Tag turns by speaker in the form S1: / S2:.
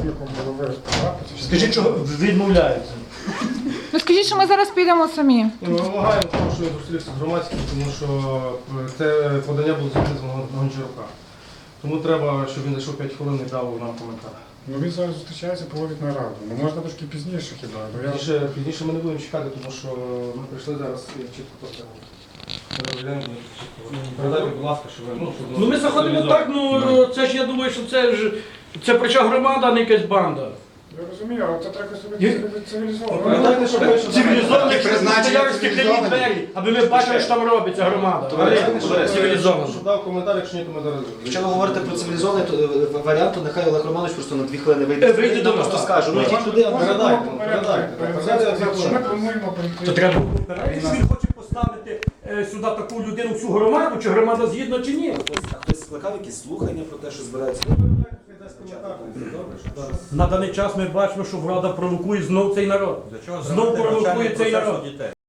S1: заступником голови РСПА.
S2: Скажіть, що відмовляються.
S3: Ну скажіть, що ми зараз підемо самі.
S4: Ми вимагаємо того, що він зустрівся з громадським, тому що це подання було зроблене з Гончарука. Тому треба, щоб він зайшов 5 хвилин і дав нам коментар.
S1: Ну він зараз зустрічається, проводить нараду. Ну можна трошки пізніше хіба. Ну, я...
S4: Пізніше ми не будемо чекати, тому що ми прийшли зараз і чітко поставили. Передайте, будь ласка, що ви...
S2: Ну ми заходимо так, ну це ж я думаю, що це прича громада, а не якась банда.
S1: Я розумію, але це треба собі цивілізовано.
S4: Пам'ятайте, що ви...
S2: Цивілізовано, якщо стояли стеклянні двері, аби ми бачили, що там робиться громада. Але цивілізовано.
S4: Щоб дав коментар, якщо ні, то ми зараз...
S5: Якщо ви говорите про цивілізований варіант, то нехай Олег Романович просто на 2 хвилини вийде.
S2: Вийде до нас.
S5: Просто скаже, ну йдіть туди, а
S4: Передайте.
S1: Що ми плануємо перейти?
S2: То треба якщо він хоче поставити сюди таку людину, всю громаду, чи громада згідна, чи ні.
S5: Хтось скликав якісь слухання про те, що збирається.
S2: На даний час ми бачимо, що влада провокує знов цей народ. Знов провокує цей народ.